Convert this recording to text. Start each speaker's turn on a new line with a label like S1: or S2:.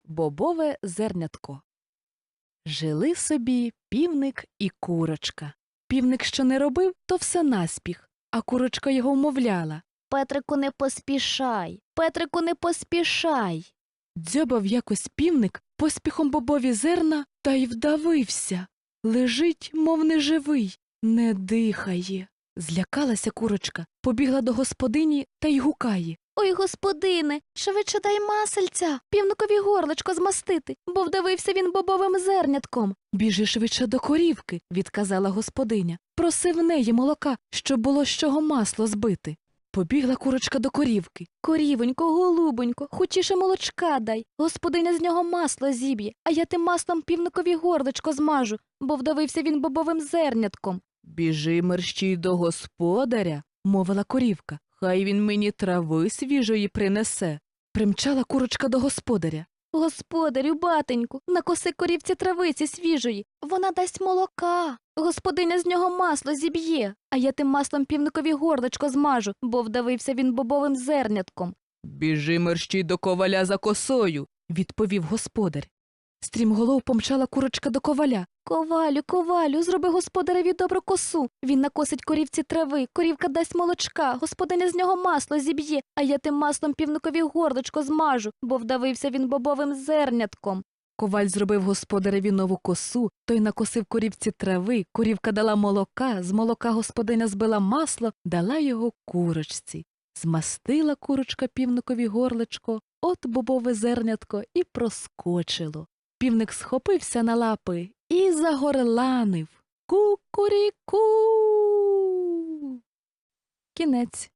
S1: Бобове зернятко. Жили собі півник і курочка. Півник що не робив, то все наспіх, а курочка його вмовляла.
S2: Петрику, не поспішай. Петрику, не поспішай.
S1: Дзьобав якось півник поспіхом бобові зерна та й вдавився. Лежить, мов неживий, не дихає. Злякалася курочка, побігла до господині та й гукає.
S2: Ой, господине, швидше дай масельця, півникові горличко змастити, бо вдавився він бобовим зернятком.
S1: Біжи швидше до корівки, відказала господиня. Проси в неї молока, щоб було з чого масло збити. Побігла курочка до корівки.
S2: Корівонько, голубонько, хочіше молочка дай. Господиня з нього масло зіб'є, а я тим маслом півникові горличко змажу, бо вдавився він бобовим зернятком.
S1: Біжи мерщій до господаря, мовила корівка. Хай він мені трави свіжої принесе. Примчала курочка до господаря.
S2: Господарю, батеньку, накоси корівці травиці свіжої, вона дасть молока. Господиня з нього масло зіб'є, а я тим маслом півникові горличко змажу, бо вдавився він бобовим зернятком.
S1: Біжи мерщій до коваля за косою, відповів господар. Стрімголов помчала курочка до коваля.
S2: Ковалю, ковалю, зроби господареві добру косу. Він накосить корівці трави, корівка дасть молочка, господиня з нього масло зіб'є, а я тим маслом півникові горличко змажу, бо вдавився він бобовим зернятком.
S1: Коваль зробив господареві нову косу, той накосив корівці трави, корівка дала молока, з молока господиня збила масло, дала його курочці. Змастила курочка півникові горличко, от бобове зернятко і проскочило. Півник схопився на лапи і загорланив. Кукуріку. Кінець.